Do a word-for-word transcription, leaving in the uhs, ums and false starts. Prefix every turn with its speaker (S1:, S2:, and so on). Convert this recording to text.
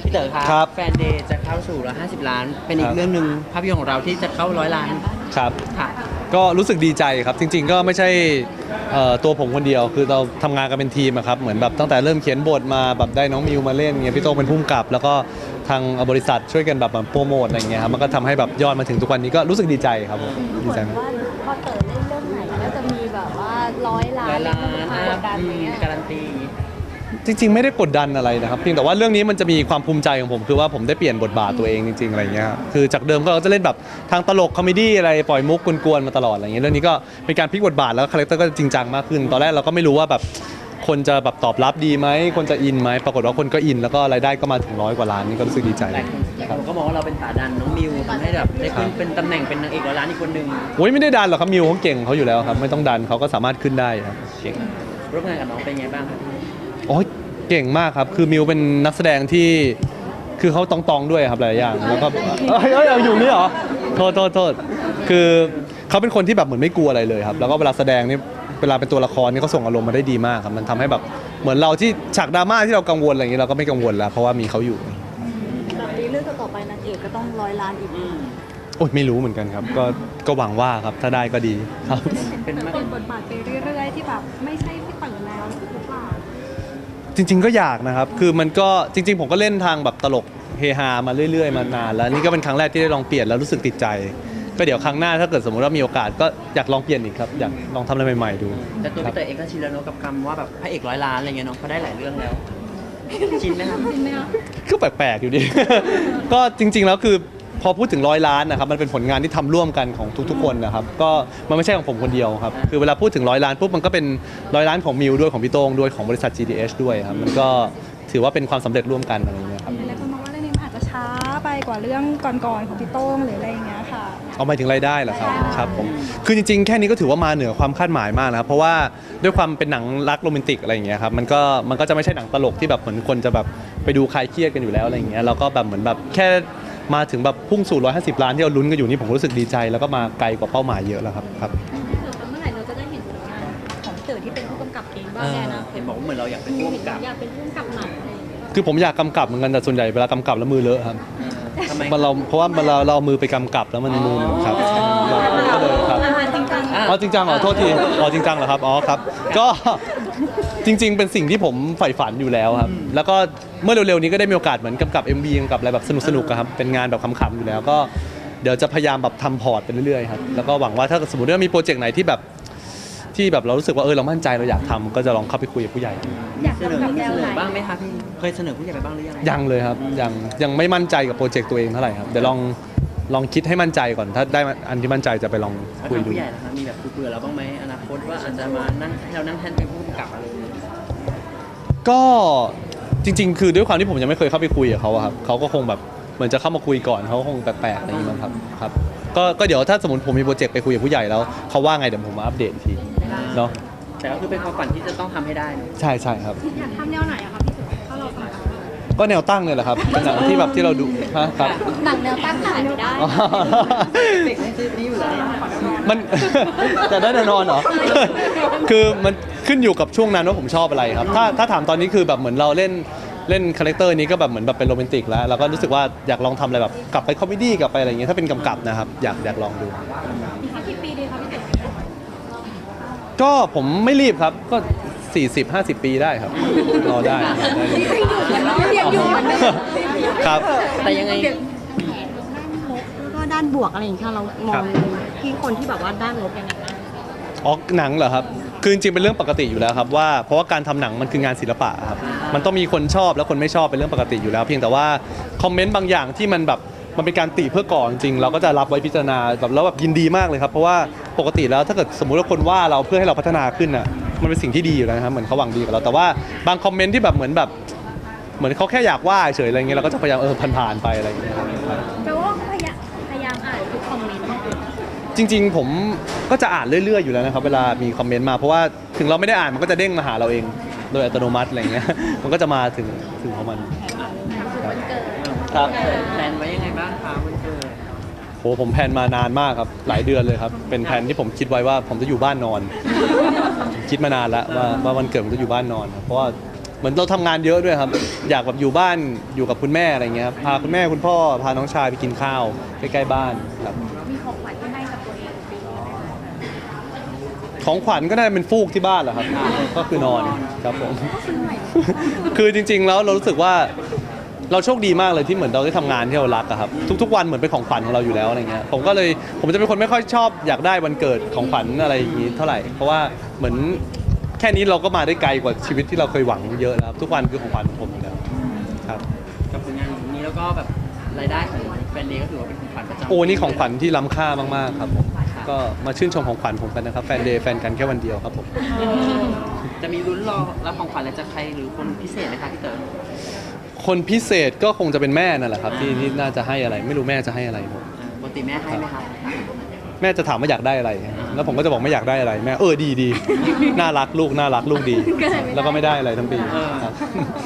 S1: พี่เต๋อค
S2: ครั
S1: รับ แฟนเดย์จะเข้าสู่ร้อยห้าสิบล้าน เป็นอี
S2: ครั
S1: ก
S2: บ
S1: เรื่องหนึ่งภาพยนตร์ของเราที่จะเข้าร้อยล้าน
S2: ครับ
S1: ค่ะ
S2: ก็รู้สึกดีใจครับจริง ๆ ก็ไม่ใช่เอ่อตัวผมคนเดียวคือเราทำงานกันเป็นทีมอะครับเหมือนแบบตั้งแต่เริ่มเขียนบทมาแบบได้น้องมิวมาเล่นเงี้ยพี่โต้งเป็นผู้กำกับ แล้วก็ทางบริษัทช่วยกันแบบโปรโมทอะไรเงี้ยครับมันก็ทำให้แบบยอดมาถึงทุกวันนี้ก็รู้สึกดีใจครับผมดีใจมาก
S3: ว่าพอเต๋อเล่นเรื่องไหนก็จะมีแบบว่าร้อยล้าน
S1: ร้อยล้าน
S3: ก
S1: อ่ะ
S3: ดดัน
S1: อื
S3: อะไร
S1: ม
S3: เงี้ย
S1: การันตี
S2: จริงๆไม่ได้กดดันอะไรนะครับเพียงแต่ว่าเรื่องนี้มันจะมีความภูมิใจของผมคือว่าผมได้เปลี่ยนบทบาทตัวเองจริงๆอะไรเงี้ยครับคือจากเดิมก็เราจะเล่นแบบทางตลกคอมเมดี้อะไรปล่อยมุกกวนๆมาตลอดอะไรเงี้ยเรื่องนี้ก็เป็นการพลิกบทบาทแล้วคาแรคเตอร์ก็จริงจังมากขึ้นตอนแรกเราก็ไม่รู้ว่าแบบคนจะแบบตอบรับดีไหมคนจะอินไหมปรากฏว่าคนก็อินแล้วก็รายได้ก็มาถึงร้อยกว่าล้านนี่ก็รู้สึกดีใจ
S1: หลายคนหลายคนก็มองว่าเราเป็นขาดันน้องมิวทำให้แบบได้ขึ้นเป็นตำแหน่งเป็นนางเอกร้อยล้านอีกคนหนึ่ง
S2: โอ้ยไม่ได้ดันหรอกครับมิวเขาเก่งเขาอยู่แล้วครับไม่ต้องดันเขาก็สามารถขึ้นได้ครับเก่ง
S1: ร่วมงานกับน้องเป็นไงบ้างครับ
S2: โอ้ยเก่งมากครับ คือมิวเป็นนักแสดงที่ คือเขาตองๆด้วยครับหลายอย่าง แล้วก็เอ้ยเอ้ยเอาอยู่นี่เหรอ โทษโทษโทษคือเขาเป็นคนที่แบบเหมือนไม่กลัวอะไรเลยครับ แล้วก็เวลาแสดงนี่ เวลาเป็นตัวละครนี่เขาส่งอารมณ์มาได้ดีมากครับ มันทำให้แบบ เหมือนเราที่ฉากดราม่าที่เรากังวลอะไรอย่างนี้เราก็ไม่กังวลแล้ว เพราะว่ามีเขาอยู่
S3: แบบนี้เรื่องต่อๆไปนางเอกก็ต้องร้อยล้านอีก
S2: โอ้ยไม่รู้เหมือนกันครับ ก็ ก็หวังว่าครับ ถ้าได้ก็ดีครับ
S1: เป็นมาก
S3: เป็นบทบาทไปเรื่อยๆที่แบบไม่ใช่พี่เต๋อแล้วหรือเปล่า
S2: จริงๆก็อยากนะครับ คือมันก็จริงๆผมก็เล่นทางแบบตลกเฮฮามาเรื่อยๆมานานแล้วนี่ก็เป็นครั้งแรกที่ได้ลองเปลี่ยนแล้วรู้สึกติดใจ ก็เดี๋ยวครั้งหน้าถ้าเกิดสมมติว่ามีโอกาสก็อยากลองเปลี่ยนอีกครับอยากลองทำอะไรใหม่ๆดู
S1: แต่ตัว
S2: ครั
S1: พี่
S2: บ
S1: เต๋อเองก็ชินแล้วเนอะกับคำว่าแบบพระเอกร้อยล้านอะไรเงี้ยเนาะเขาได้หลายเรื่องแล้ว ชินไหมครับ
S2: ก็แปลกๆอยู่ดี ก็จริง ๆ แล้วคือพอพูดถึงร้อยล้านนะครับมันเป็นผลงานที่ทำร่วมกันของทุกๆคนนะครับก็มันไม่ใช่ของผมคนเดียวครับคือเวลาพูดถึงร้อยล้านปุ๊บมันก็เป็นร้อยล้านของมิวด้วยของพี่โต้งด้วยของบริษัท จี ดี เอช ด้วยครับมันก็ถือว่าเป็นความสำเร็จร่วมกันอะไรอย่างเงี้ยครับ
S3: หลายคนมองว่าเรื่องนี้มันอาจจะช้าไปกว่าเรื่องก่อนๆของพี่โต้งหรืออะไรอย่างเงี้ยค่ะ
S2: เอาหมายถึงรายได้เหรอครับ
S3: ใช่
S2: ครับผมคือจริงๆ แค่นี้ก็ถือว่ามาเหนือความคาดหมายมากนะครับเพราะว่าด้วยความเป็นหนังรักโรแมนติกอะไรอย่างเงี้ยครับมันก็มันก็จะไม่ใช่หนังตลกที่แบบเหมือนคนจะแบบไปดูคลายเครียดกันอยู่แล้วอะไรอย่างเงี้ยเราก็แบบเหมือนแบบแค่มาถึงแบบพุ่งสู่หนึ่งร้อยห้าสิบล้านที่เราลุ้นกันอยู่นี่ผมรู้สึกดีใจแล้วก็มาไกลกว่าเป้าหมายเยอะแล้วครับครับ
S3: เมื่อไหร่เราจะได้เห็นผลงานของเต๋อที่เป็นผู้กำกับเองบ้า
S1: เอง
S3: แน่
S1: อ
S3: นะ
S1: เห็นบอกว่าเหมือนเราอยากเป็นผู้กำกับ
S3: อยากเป็นผู้กำกับหนังอะไรอย่างเงี้ย
S2: คือผมอยากกำกับเหมือนกันแต่ส่วนใหญ่เวลากำกับแล้วมือเลอะครับ
S1: เออทำไม
S2: มันเราเพราะว่ามันเราเราเอามือไปกำกับแล้วมันมือมันครับเราก็เลยครับ
S3: จริงจัง
S2: อ๋อจริงจังเหรอโทษทีอ๋อจริงจังเหรอครับอ๋อครับก็ จริง ๆ เป็นสิ่งที่ผมใฝ่ฝันอยู่แล้วครับแล้วก็เมื่อเร็วๆนี้ก็ได้มีโอกาสเหมือนกำกับ เอ็ม วี กำกับอะไรแบบสนุกๆอะครับเป็นงานแบบขำๆอยู่แล้วก็เดี๋ยวจะพยายามแบบทำพอร์ตไปเรื่อยๆครับแล้วก็หวังว่าถ้าสมมติว่ามีโปรเจกต์ไหนที่แบบที่แบบเรารู้สึกว่าเออเรามั่นใจเราอยากทำก็จะลองเข้าไปคุยกับผู้ใหญ่
S3: อยาก
S1: เสนอ
S3: ทำแบบแนว
S1: เสน
S3: ไหน
S1: อบ้างไหมคะพี่เคยเสนอผู้ใหญ่ไปบ้างหรือยัง
S2: ยังเลยครับยังยังไม่มั่นใจกับโปรเจกต์ตัวเองเท่าไหร่ครับเดี๋ยวลองลองคิดให้มั่นใจก่อนถ้าได้อันที่มั่นใจจะไปลอง
S1: แล้ว
S2: คุย
S1: ทาง
S2: ดู
S1: ผู้ใหญ่นะคะมีแบบคุยๆเราบ้างไหมอนาคตว่าอาจจะมานั่งให้เรานั่งแทนเป็นผู้กำกับอะไรอย่างเงี้ย
S2: ก็จริง ๆ คือด้วยความที่ผมยังไม่เคยเข้าไปคุยกับเขาอะครับเขาก็คงแบบเหมือนจะเข้ามาคุยก่อนเขาคงแปลกๆอะไรอย่างนี้มั้งครับครับก็ก็เดี๋ยวถ้าสมมติผมมีโปรเจกต์ไปคุยกับผู้ใหญ่แล้วเขาว่าไงเดี๋ยวผมมาอัปเดตอีกทีเนาะ
S1: แต่ก็คือเป็นความฝันที่จะต้องทำให้ได้เนอะ
S2: ใช่ใช่ครับ
S3: อยากทำแนวไหนอะคะพี่เต๋อถ้าเราทำ
S2: ก็แนวตั้งเนี่ยแหละครับเป็นหนังที่แบบที่เราดูฮะครับ
S3: หนังแนวตั้งขายไม่ได้
S2: อ๋อ
S1: เด็กให้ซื้อนี้อยู่แล้ว
S2: มัน จะได้แน่นอนเหรอ คือมันขึ้นอยู่กับช่วงนั้นว่าผมชอบอะไรครับ ถ้าถ้าถามตอนนี้คือแบบเหมือนเราเล่นเล่นคาแรคเตอร์นี้ก็แบบเหมือนแบบเป็นโรแมนติกแล้วแล้วก็รู้สึกว่าอยากลองทำอะไรแบบกลับไปคอมเมดี้กลับไปอะไรอย่างเงี้ยถ้าเป็นกำกับนะครับอยากอยากลองดู
S3: อีกสักกี่ปีดีคะพี่เต๋อ
S2: ก็ผมไม่รีบครับก็ สี่สิบ ห้าสิบ ปีได้ครับรอได้ได้เลย
S3: ยังอยู่เหมือนเดิม
S2: ครับ
S1: แต่ยังไง
S3: ด้านลบแล้วก็ด้านบวกอะไรอย่างเงี้ยเรามองที่คนที่แบบว่าด้านลบยังไงบ้าง
S2: อ๋อหนังเหรอครับคือจริงๆเป็นเรื่องปกติอยู่แล้วครับว่าเพราะว่าการทำหนังมันคืองานศิลปะครับมันต้องมีคนชอบและคนไม่ชอบเป็นเรื่องปกติอยู่แล้ว เพียงแต่ว่าคอมเมนต์บางอย่างที่มันแบบมันเป็นการติเพื่อก่อจริงๆเราก็จะรับไว้พิจารณาแบบแล้วแบบยินดีมากเลยครับเพราะว่าปกติแล้วถ้าเกิดสมมุติว่าคนว่าเราเพื่อให้เราพัฒนาขึ้นอ่ะมันเป็นสิ่งที่ดีอยู่แล้วนะครับเหมือนเขาหวังดีกับเราแต่ว่าบางคอมเมนต์ที่แบบเหมือนแบบเหมือนเขาแค่อยากว่าเฉยอะไรเงี้ยเราก็จะพยายามเออผ่านๆไปอะไรอย่างเงี้ยครับ
S3: แปลว่าพยายามพยายามอ่านทุกคอมเมนต์
S2: จริงๆผมก็จะอ่านเรื่อยๆอยู่แล้วนะครับเวลามีคอมเมนต์มาเพราะว่าถึงเราไม่ได้อ่านมันก็จะเด้งมาหาเราเองโดยอัตโนมัติอะไรเงี้ย มันก็จะมาถึงถึงของมันครับ
S1: แพลนไว้ยังไงบ้างคะวันเกิด
S2: โหผมแพลนมานานมากครับหลายเดือนเลยครับเป็นแพลนที่ผมคิดไว้ว่าผมจะอยู่บ้านนอน คิดมานานแล้วว่าว่าวันเกิดผมจะอยู่บ้านนอนครับเพราะว่าเหมือนเราทำงานเยอะด้วยครับ อยากแบบอยู่บ้านอยู่กับคุณแม่อะไรเงี้ยครับพาคุณแม่คุณพ่อพาน้องชายไปกินข้าวใกล้ๆบ้านครับ
S4: มีของขวัญที่ให้กับตัวเองปีนี้ไหมคะ
S2: ของขวัญก็ได้เป็นฟูกที่บ้านแหละครับ ก็คือนอนครับผม คือจริงๆแล้วเรารู้สึกว่าเราโชคดีมากเลยที่เหมือนเราได้ทำงานที่เรารักอะครับทุกๆวันเหมือนเป็นของขวัญของเราอยู่แล้วอะไรเงี้ยผมก็เลยผมจะเป็นคนไม่ค่อยชอบอยากได้วันเกิดของขวัญอะไรอย่างงี้เท่าไหร่เพราะว่าเหมือนแค่นี้เราก็มาได้ไกลกว่าชีวิตที่เราเคยหวังเยอะแล้วครับทุกวันคือของขวัญของผมอยู่แล้วครับ
S1: กับผลงานนี้แล้วก็แบบรายได้ของแฟนเดย์ก็ถือว่าเป็นของขวัญประจำ
S2: โอ้นี่ของขวัญที่ล้ำค่ามากๆครับผมก็มาชื่นชมของขวัญผมกันนะครับแฟนเดย์แฟนกันแค่วันเดียวครับผม
S1: จะมีลุ้นรอรับของขวัญอะไรจากใครหรือคนพิเศษไหมคะพี่เต๋อ
S2: คนพิเศษก็คงจะเป็นแม่นั่นแหละครับที่ที่น่าจะให้อะไรไม่รู้แม่จะให้อะไรผม
S1: อ่าปกติแม่ให้ไหมครับ
S2: แม่จะถามว่าอยากได้อะไร แล้วผมก็จะบอกไม่อยากได้อะไร แม่เออดีดี น่ารักลูกน่ารักลูกดี แล้วก็ไม่ได้อะไรทั้งปีครับ